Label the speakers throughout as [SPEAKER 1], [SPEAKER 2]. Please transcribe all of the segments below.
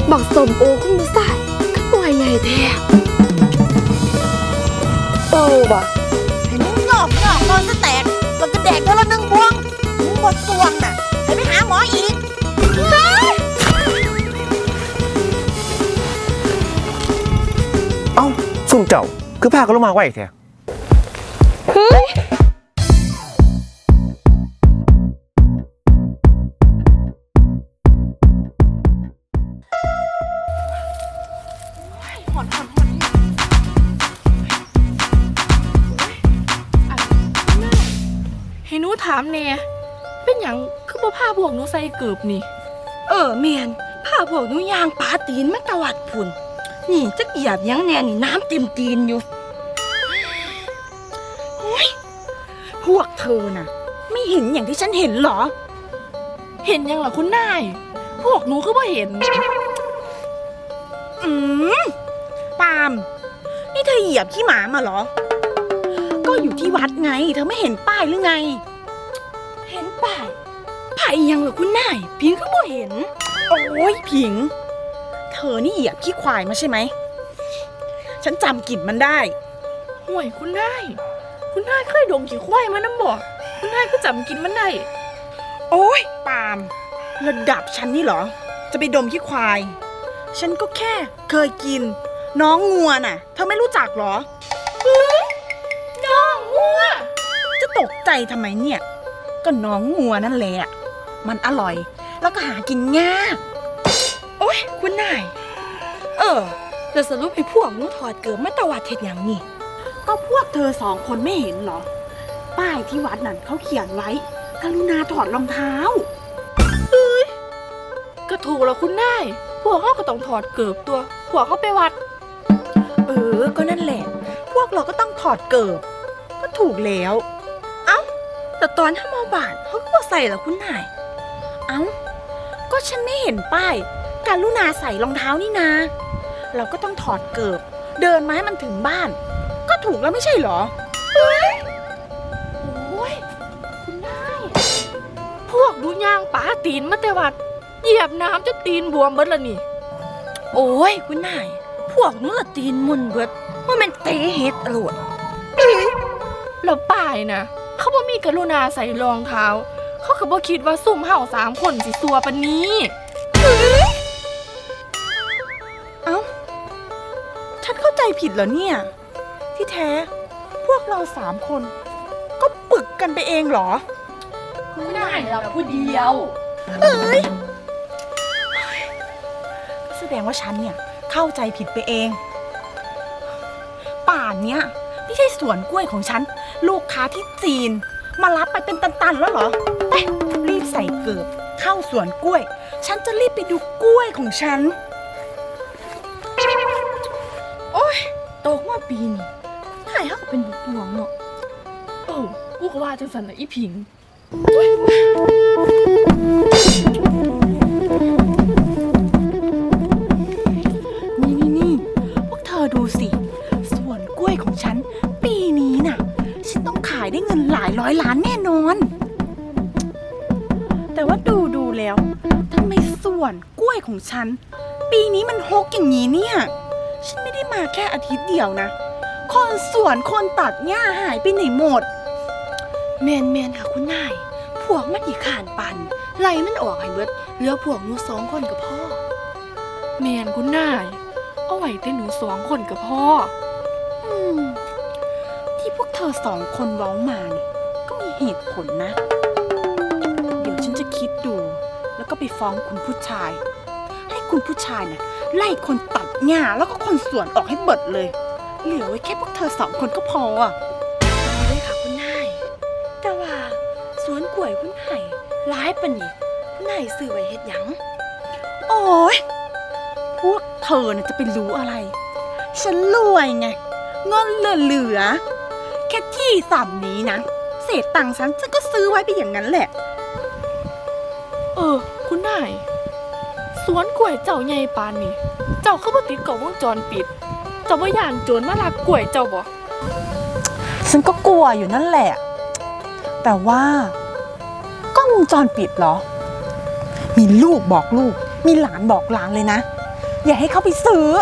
[SPEAKER 1] บักสมโอคุณผู้ชายก็หน่วยใหญ่แท้ว่ะ
[SPEAKER 2] ให้มึงงอกนอนซะแตกแล้วก็แดกเท่าละ1 บวงมึงหมดสวงน่ะไปหาหมออีก
[SPEAKER 3] เอ้าซุ่มเจ้าคือพากันลงมาไหวแท้
[SPEAKER 4] ให้หนูถามแน่เป็นหยังคือบ่พาพวกหนูใส่เกือบนี่
[SPEAKER 1] เมียนผ้าพวกหนูยางปาตีนมาตวัดพุ่นนี่จะเหยียบยังแน่นี่น้ำเต็มตีนอยู่โอ้ยพวกเธอน่ะไม่เห็นอย่างที่ฉันเห็นหรอ
[SPEAKER 4] เห็นยังล่ะคุณนายพวกหนูคือบ่เห็น
[SPEAKER 1] ปาล์มนี่เธอเหยียบขี้หมามาเหรอก็อยู่ที่วัดไงเธอไม่เห็นป้ายหรือไงเห็นป้ายไผ่ยังเหรอคุณนายพิงก็บ่เห็นโอ้ยพิงเธอนี่เหยียบขี้ควายมาใช่ไหมฉันจำกลิ่นมันได้
[SPEAKER 4] ห่วยคุณนายเคยดมขี้ควายมาน้ำบ่คุณนายก็จำกินมันได้
[SPEAKER 1] โอ้ยปาล์มระดับฉันนี่เหรอจะไปดมขี้ควายฉันก็แค่เคยกินน้องงัวน่ะเธอไม่รู้จักเหรอ
[SPEAKER 4] น้องงัว
[SPEAKER 1] จะตกใจทำไมเนี่ยก็น้องงัวนั่นแหละมันอร่อยแล้วก็หากินง่ายโอ้ยคุณนายจะสรุปให้พวกหนูถอดเกิดมาตวัดเท็ดอย่างนี่ก็พวกเธอ2 คนไม่เห็นเหรอป้ายที่วัดนั่นเขาเขียนไว้กรุณาถอดรองเท้า
[SPEAKER 4] ก็ถูกแล้วคุณนายพวกเขาก็ต้องถอดเกือบตัวพวกเขาไปวัด
[SPEAKER 1] ก็นั่นแหละพวกเราก็ต้องถอดเกิบก็ถูกแล้วเอ้าแต่ตอนถ้ามาบาทเขาก็ใส่เหรอคุณนายเอ้าก็ฉันไม่เห็นป้ายการลุณาใส่รองเท้านี่นาเราก็ต้องถอดเกิบเดินมาให้มันถึงบ้านก็ถูกแล้วไม่ใช่เหรอ
[SPEAKER 4] โอ้ยคุณนายพวกดูย่างป๋าตีนมาแต่วัดเหยียบน้ำจะตีนบวมเบิดละนี่
[SPEAKER 1] โอ้ยคุณนายพวกนู้นละตีนมุนเบิดว่ามันเตะเฮ็ดอรวด
[SPEAKER 4] แล้วป้ายนะเขาบ่มีกรุณาใส่รองเท้าเขาก็บ่คิดว่าซุ่มเห่า3 คนสิซัวปานนี้
[SPEAKER 1] เอ้าฉันเข้าใจผิดเหรอเนี่ยที่แท้พวกเรา3 คนก็ปึกกันไปเองเหรอ
[SPEAKER 4] ไม่ได้เราผู้เดียว
[SPEAKER 1] แสดงว่าฉันเนี่ยเข้าใจผิดไปเองป่านเนี้ยไม่ใช่สวนกล้วยของฉันลูกค้าที่จีนมารับไปเป็นตันๆแล้วเหรอไปรีบใส่เกิบเข้าสวนกล้วยฉันจะรีบไปดูกล้วยของฉันโอ๊ยโตมาปีนี้ถ่ายให้เขาเป็นบุกบวงเนาะ
[SPEAKER 4] กูก็ว่าจังสันนะอีผิง
[SPEAKER 1] นี่พวกเธอดูสิสวนกล้วยของฉันปีนี้น่ะฉันต้องขายได้เงินหลายร้อยล้านแน่นอนแต่ว่าดูแล้วทำไมสวนกล้วยของฉันปีนี้มันฮกอย่างนี้เนี่ยฉันไม่ได้มาแค่อาทิตย์เดียวนะคนสวนคนตัดหญ้าหายไปไหนหมดแมนค่ะคุณนายพวกมันอีกขานปันไล่มันออกให้เบิดเหลือพวกหนู2 คนกับพ่อ
[SPEAKER 4] แมนคุณนายเอาไว้แต่หนู2 คนกับพ่อ
[SPEAKER 1] ที่พวกเธอ2 คนเว้ามาเนี่ยก็มีเหตุผลนะเดี๋ยวฉันจะคิดดูแล้วก็ไปฟ้องคุณผู้ชายให้คุณผู้ชายน่ะไล่คนตัดหญ้าแล้วก็คนสวนออกให้เบิดเลยเหลือไว้แค่พวกเธอ2 คนก็พอเลยค่ะคุณนายแต่ว่าสวนกล้วยคุณนายร้ายปะนี่คุณนายซื้อไว้เฮ็ดหยังโอ๊ยพวกเธอน่ะจะไปรู้อะไรฉันรวยไงเงินเหลือแค่ที่3 นี้นะเศษตังค์ฉันก็ซื้อไว้ไปอย่างนั้นแหละ
[SPEAKER 4] คุณนายสวนกล้วยเจ้าใหญ่ปานนี่เจ้าคือบ่ติดกล้องวงจรปิดเจ้าบ่ย่านโจรมาลักกล้วยเจ้าบ่
[SPEAKER 1] ฉันก็กลัวอยู่นั่นแหละแต่ว่ากล้องวงจรปิดเหรอมีลูกบอกลูกมีหลานบอกหลานเลยนะอย่าให้เขาไปซื้อ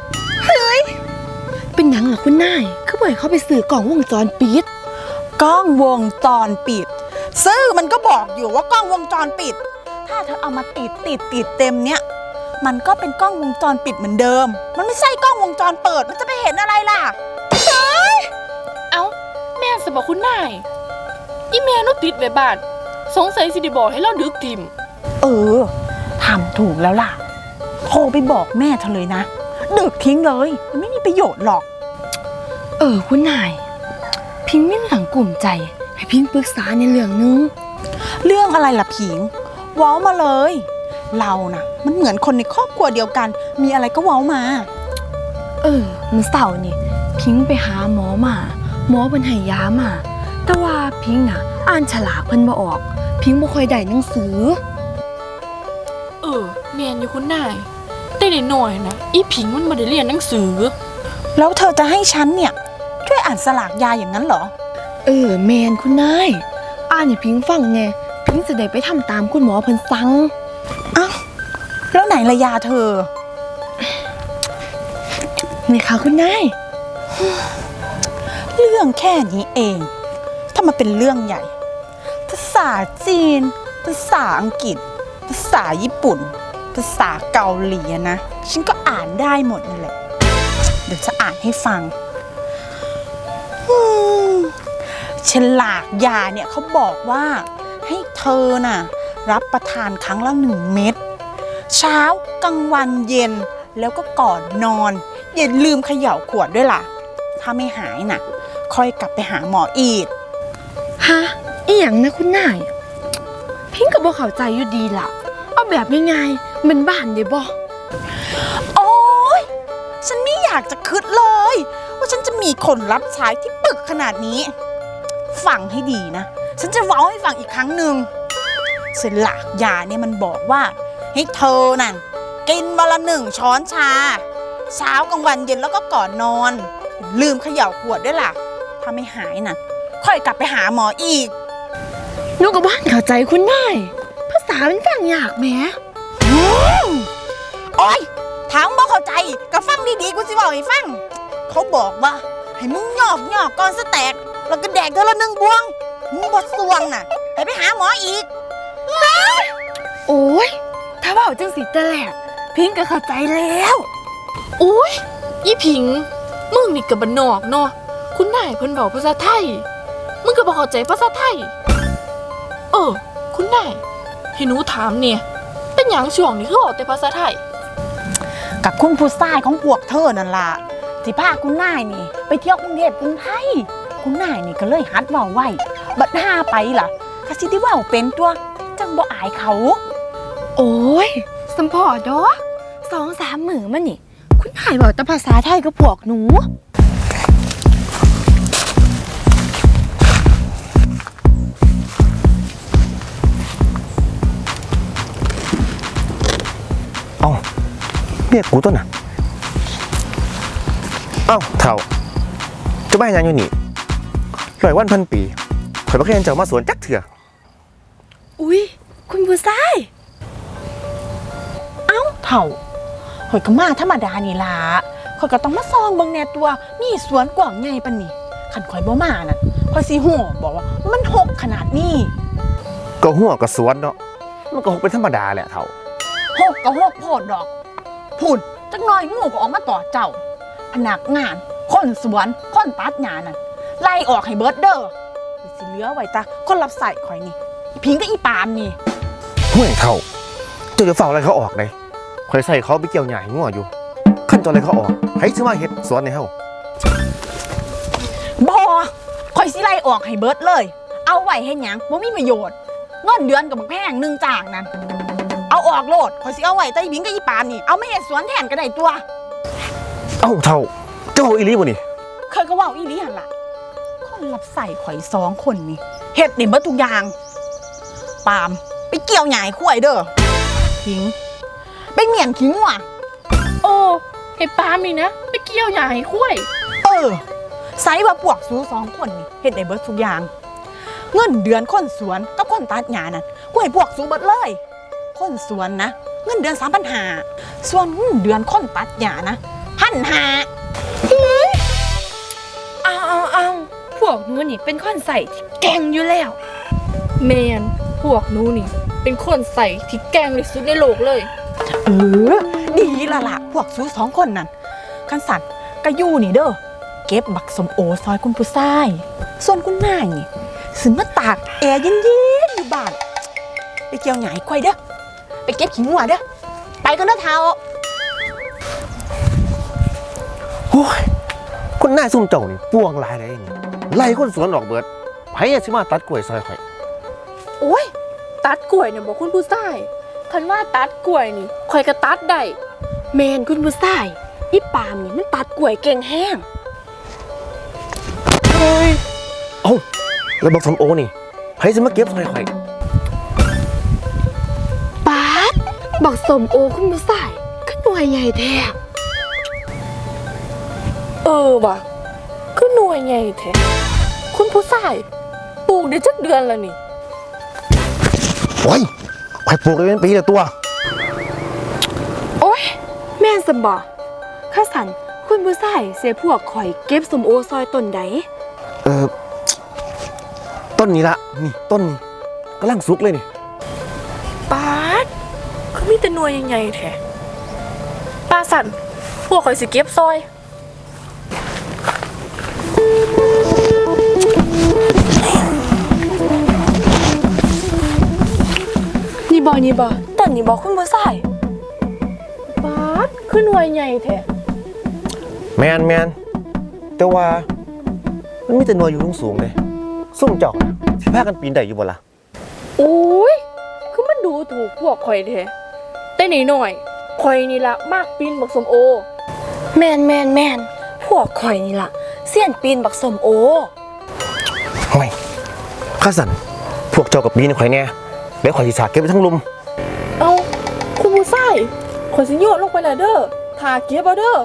[SPEAKER 4] เป็นหยังเหรอคุณนายคือบ่ให้เขาไปซื้อกล่องวงจรปิด
[SPEAKER 1] กล้องวงจรปิดซื้อมันก็บอกอยู่ว่ากล้องวงจรปิด ถ้าเธอเอามาติดเต็มเนี่ยมันก็เป็นกล้องวงจรปิดเหมือนเดิม มันไม่ใช่กล้องวงจรเปิดมันจะไปเห็นอะไรล่ะ
[SPEAKER 4] เอ้าแม่สบอกคุณนายอีแม่หนูติดไว้บ้านสงสัยสิได้บอกให้เราดึกทิม
[SPEAKER 1] เออทำถูกแล้วล่ะโทรไปบอกแม่เธอเลยนะดึกทิ้งเลยมันไม่มีประโยชน์หรอก
[SPEAKER 4] คุณนายพิงมีเรื่องกลุ่มใจให้พิงปรึกษาในเรื่องนึง
[SPEAKER 1] เรื่องอะไรล่ะผิงเว้ามาเลย เรานะมันเหมือนคนในครอบครัวเดียวกัน มีอะไรก็เว้ามา
[SPEAKER 4] มื้อเสาร์นี่พิงไปหาหมอมาหมอเพิ่นให้ยามาแต่ว่าพิงน่ะอ่านฉลากเพิ่นบ่ออกพิงบ่ค่อยได้หนังสือแม่นอยู่คุณนายแต่นิดหน่อยนะอีพิงมันบ่ได้เรียนหนังสือ
[SPEAKER 1] แล้วเธอจะให้ฉันเนี่ยช่วยอ่านสลากยาอย่างนั้นเหรอ
[SPEAKER 4] แมนคุณนายอ่านให้พิงฟังแน่พิงจะได้ไปทำตามคุณหมอเพิ่นสั่ง
[SPEAKER 1] อ้าวแล้วไหนละยาเธอ
[SPEAKER 4] นี่ค่ะคุณนาย
[SPEAKER 1] เรื่องแค่นี้เองถ้ามาเป็นเรื่องใหญ่ ภาษาจีน ภาษาอังกฤษ ภาษาญี่ปุ่น ภาษาเกาหลีนะฉันก็อ่านได้หมดนั่นแหละเดี๋ยวจะอ่านให้ฟังฉลากยาเนี่ยเขาบอกว่าให้เธอน่ะรับประทานครั้งละ1 เม็ดเช้ากลางวันเย็นแล้วก็ก่อนนอนอย่าลืมเขย่าขวดด้วยล่ะถ้าไม่หายน่ะค่อยกลับไปหาหมออีก
[SPEAKER 4] ฮะอีหยังนะคุณนายพิงก็บ่เข้าใจอยู่ดีล่ะเอาแบบง่ายๆมันบ้านได้บ่
[SPEAKER 1] โอ๊ยฉันไม่อยากจะคิดเลย ว่าฉันจะมีคนรับใช้ที่ปึกขนาดนี้ ฟังให้ดีนะ ฉันจะเว้าให้ฟังอีกครั้งหนึ่งฉลากยาเนี่ยมันบอกว่าให้เธอนั่นกินวันละ1 ช้อนชาเช้ากลางวันเย็นแล้วก็ก่อนนอนลืมเขย่าขวดด้วยล่ะถ้าไม่หายน่ะค่อยกลับไปหาหมออีก
[SPEAKER 4] หนูก็บ้านเข้าใจคุณนายภาษามันฟังยากแหม
[SPEAKER 1] โอ๊ยถามบ่เข้าใจก็ฟังดีๆกูสิบอกให้ฟังเขาบอกว่าให้มึงหยอกก่อนสแต็กแล้วก็แดกเท่าละ1 บวงมึงบ่สวงน่ะให้ไปหาหมออีก
[SPEAKER 4] โอ้ยถ้าเว้าจังสิแต่แรกพิงก็เข้าใจแล้วโอ้ยอีพิงมึงนี่ก็บ้านนอกเนาะคุณนายเพิ่นเว้าภาษาไทยมึงก็บ่เข้าใจภาษาไทยคุณนายให้หนูถามเนี่ยเป็นหยังช่วงนี้คือเว้าแต่ภาษาไทย
[SPEAKER 1] กับคุณผู้ชายของพวกเธอนั่นล่ะสิพาคุณนายนี่ไปเที่ยวกรุงเทพกรุงไทยคุณนายนี่ก็เลยหัดเว้าไว้บัดห้าไปล่ะก็สิได้เว้าเป็นตัวจังบ่อายเขา
[SPEAKER 4] โอ้ยสัมพอดอก2-3 มื้อมานี่คุณนายเว้าแต่ภาษาไทยกับพวกหนู
[SPEAKER 3] เอ้าเรียกกูต้นน่ะเอ้าเถ่าจะไปยังอยู่นี่100 วัน 1,000 ปีข่อยบ่เคยเห็นเจ้ามาสวนจักเถื่อ
[SPEAKER 4] อุ๊ยคุณผู้ชาย
[SPEAKER 1] เอ้าเถ่าข่อยก็มาธรรมดานี่ล่ะข่อยก็ต้องมาซองเบิ่งแหน่ตัวมีสวนกว้างใหญ่ปานนี้คันข่อยบ่มาน่ะข่อยสิฮู้บอกว่ามันหกขนาดนี้
[SPEAKER 3] ก็หัวก็สวนเนาะมันก็คงเป็นธรรมดาแหละเถ่า
[SPEAKER 1] หกก็หกโพดดอกพุ่นจักหน่อยงูก็ออกมาต่อเจ้าพนักงานคนสวนคนตัดหญ้านั่นไล่ออกให้เบิดเด้อสิเหลือไว้ตาคนรับใส่ข่อยนี่อีพิงกับอีปามนี่
[SPEAKER 3] ห่วยเถ่าเจ้าจะเฝ้าอะไรเขาออกเลยข่อยใส่เขาไปเกี่ยวหญ้าให้งัวอยู่ขั้นตอนอะไรเขาออกให้ซื้อมาเฮ็ดสวนในเฮา
[SPEAKER 1] บ่ข่อยสิไล่ออกให้เบิดเลย เอาไว้เฮ็ดหยังบ่มีประโยชน์เงินเดือนกับบักแพง1จ้างนั่นเอาออกโลดข่อยสิเอาไว้แต่อีบิงกับอีปามนี่เอามาเฮ็ดสวนแทนก็ได้ตัว
[SPEAKER 3] เอ้าเถ่าเจ้าเอาอีหลีบ่นี่
[SPEAKER 1] เคยก็เว้าอีหลีหั่นล่ะคนรับใส่ข่อย2 คนนี่เฮ็ดได้เบิดทุกอย่างปามไปเกี่ยวหญ้าให้ควายเด้อหิงไปเหมียนขี้งัว
[SPEAKER 4] โอ้ให้ปามนี่นะไปเกี่ยวหญ้าให้คุ้ย
[SPEAKER 1] ไซว่าพวกซู2 คนนี่เฮ็ดได้เบิดทุกอย่างเงินเดือนคนสวนกับคนตัดหญ้านั่นกูให้พวกซูเบิดเลยคนสวนนะเงินเดือน3,500ส่วนเงินเดือนคนตัดหญ้านะ1,500
[SPEAKER 4] เอาพวกหนูนี่เป็นคนใส่ที่แกร่งอยู่แล้วแมนพวกหนูนี่เป็นคนใส่ที่แกร่งที่สุดในโลกเลย
[SPEAKER 1] ดีละล่ะพวกซู2คนนั่นคันสัตว์ก็อยู่นี่เด้อเก็บบักสมโอซอยคุณผู้ชายส่วนคุณนายนี่สิมาตากแอร์เย็นๆอยู่บ้านไปเกี่ยวหญ้าให้ควายเด้อไปเก็บขี้งัวเด้อไปกันเด้อเท้า
[SPEAKER 3] โอ้ยคนหน้าซุ่มเจ้านี่ป่วงหลายเลยนี่ไล่คนสวนออกเบิดไผสิมาตัดกล้วยซอยข่อย
[SPEAKER 4] โอ้ยตัดกล้วยเนี่ยบอกคุณผู้ชายคันว่าตัดกล้วยนี่ข่อยก็ตัดได้แมนคุณผู้ชายอีปามนี่มันตัดกล้วยเก่งแห้ง
[SPEAKER 3] เอ้าแล้วบอกสมโอนี่ไผสิมาเก็บซอยข่อย
[SPEAKER 4] ป๊าดบอกสมโอคุณผู้ชายก็หน่วยใหญ่แท้ว่ะก็หน่วยใหญ่แท้คุณผู้ชายปลูกได้จักเดือนแล้วนี่
[SPEAKER 3] โอ้ยข่อยปลูกได้เป็นปีละตัว
[SPEAKER 4] โอ้ยแม่นสมบ่ข้าสันคุณผู้ชายเสียพวกข่อยเก็บสมโอซอยต้นใด
[SPEAKER 3] ต้นนี้ละนี่ต้นนี้กำลังสุกเลยนี่
[SPEAKER 4] ป๊าดคือมีแต่หน่วยใหญ่ๆแท้ป้าสันพวกข่อยสิเก็บซอยนี่บ่ต้นนี่บ่คุณผู้ชายป๊าดคือหน่วยใหญ่แท้
[SPEAKER 3] แมนแต่ว่ามันมีแต่หน่วยอยู่สูงๆเลยซุ่มเจ้าน่ะสิพากันปีนได้อยู่บ่ล่ะ
[SPEAKER 4] โอ้ยคือมันดูถูกพวกข่อยแท้แต่นี่หน่อยข่อยนี่ละมากปีนบักสมโอแม่นพวกข่อยนี่ละเสี้ยนปีนบักสมโอ
[SPEAKER 3] เฮ้ยข้าสันพวกเจ้ากับปีนข่อยแน่เดี๋ยวข่อยสิสาเก็บไว้ทั้งลุม
[SPEAKER 4] เอาคุณผู้ชายข่อยสิโยนลงไปแล้วเด้อทาเก็บเอาเด้อ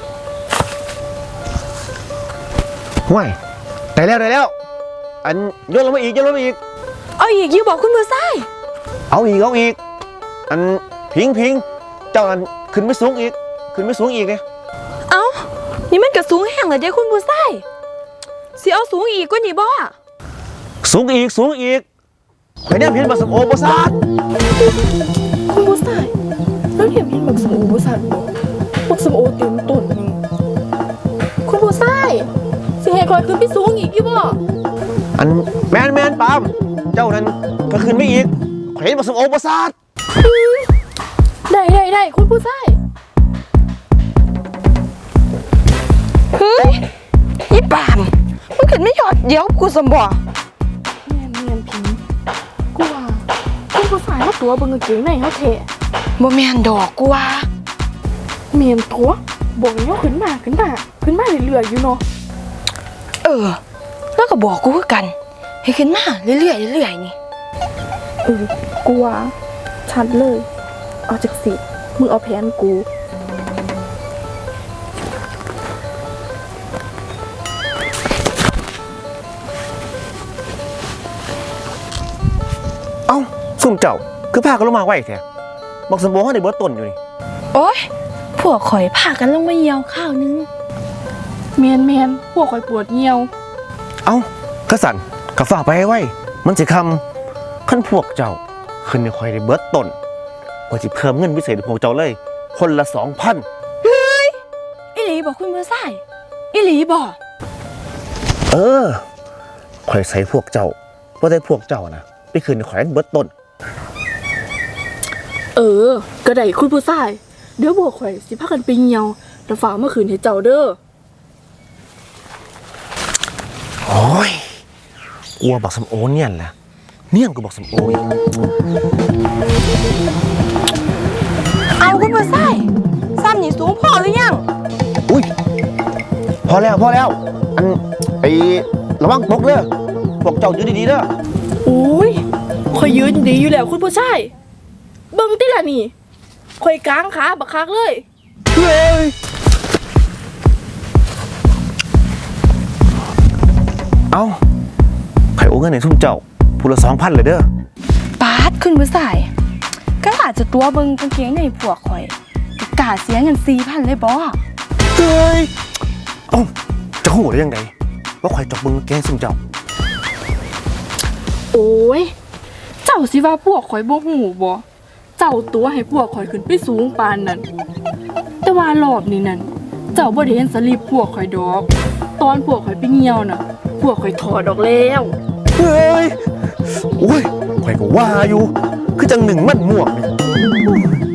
[SPEAKER 3] ห่วยได้แล้วอันโยนลงมาอีก
[SPEAKER 4] เอาอีกอยู่บอกคุณผู้ชาย
[SPEAKER 3] เอาอีกอันพิงเจ้าอันขึ้นไม่สูงอีกเนี่ย
[SPEAKER 4] เอานี่มันก็สูงแห้งเลยเด้คุณผู้ชายสิเอาสูงอีกกว่านี้บ่
[SPEAKER 3] สูงอีกข่อยเนี่ยเห็นบักสมโอบ่ซาด
[SPEAKER 4] คุณผู้ชายแล้วเห็นบักสมโอบ่สั่นบ่บักสมโอเต็มต้นนึงคุณผู้ชายสิให้ข่อยขึ้นไปสูงอีกอยู่บ่
[SPEAKER 3] อันแมนปามเจ้านั้นก็ขึ้นไม่อีกข่อยเห็นบักสมโอบ่ซาด
[SPEAKER 4] ได้คุณผู้ชาย
[SPEAKER 2] เฮ้ยอีปามมันขึ้นไม่หยอดเดี๋ยวกูสมบ่
[SPEAKER 4] แม่นพิงกูว่าคุณผู้ชายเอาตัวเบิ่งกางเกงในเฮาแท้
[SPEAKER 2] บ่แม่นดอกกูว่า
[SPEAKER 4] แม่นตัวบอกให้เฮาขึ้นมาเรื่อยๆอยู่เนาะ
[SPEAKER 2] แล้วก็บอกกูคือกันให้ขึ้นมาเรื่อยๆนี่
[SPEAKER 4] กูว่าชัดเลยเอาจากสิมึงเอาแผนกู
[SPEAKER 3] เอ้าซุ่มเจ้าคือพากันลงมาไว้แท้บักสมโอเฮาได้เบิดต้นอยู่นี่
[SPEAKER 2] โอ๊ยพวกข่อยพากันลงมาเหี่ยวข้าวนึง
[SPEAKER 4] แมนพวกข่อยปวดเหี่ยว
[SPEAKER 3] เอ้ากระสันกระฝากไปให้ไว้มันสิคำขั้นพวกเจ้าขึ้นในข่อยได้เบิดต้นว่าสิเพิ่มเงินพิเศษให้พวกเจ้าเลย คนละ 2,000
[SPEAKER 2] อีหลีบอกคุณผู้ชายอีหลีบอก
[SPEAKER 3] ข่อยใส่พวกเจ้าว่าได้พวกเจ้านะไปคืนในข่อยให้เบิดต้น
[SPEAKER 4] ก็ได้คุณผู้ชายเดี๋ยวพวกข่อยสิพากันไปเหี่ยวแล้วฝากมาคืนให้เจ้าเด้อ
[SPEAKER 3] โอ้ยกลัวบักสมโอเนี่ยแหละเนี่ยกูบอกสมโออีก
[SPEAKER 2] เอาคุณผู้ชายซ้ำนี่สูงพอหรือยัง
[SPEAKER 3] อุ้ยพอแล้วอันไอระวังตกเด้อพวกเจ้าอยู่ดีๆเด้อ
[SPEAKER 4] โอ้ยข่อยยืนดีอยู่แล้วคุณผู้ชายเบิ่งติล่ะนี่ข่อยกางขาบักคักเลย
[SPEAKER 3] เฮ้ยเอาไข่โอ้เงินในทุ่มเจ้าพูละ2,000เลยเด้อ
[SPEAKER 2] ปาดคุณผู้ชายก็หลา
[SPEAKER 5] จะตัวเบิงกางเกงในพวกข่อยก็กล้าเสียเงิน4,000เลยบ่
[SPEAKER 3] เฮ้ยเอ้าจะหูได้ยังไงว่าข่อยจอกเบิ่งแกงซุ่มเจ้า
[SPEAKER 4] โอ้ย เจ้าสิว่าพวกข่อยบ่หูบ่เจ้าตัวให้พวกข่อยขึ้นไปสูงปานนั้นแต่ว่ารอบนี้นั่นเจ้าบ่ได้เห็นสลิปพวกข่อยดอก ตอนพวกข่อยไปเหี่ยวน่ะ พวกข่อยถอดออกแล้ว
[SPEAKER 3] เฮ้ยโอ้ยข่อยก็ว่าอยู่ คือจังหนึ่งมันหมวกนี่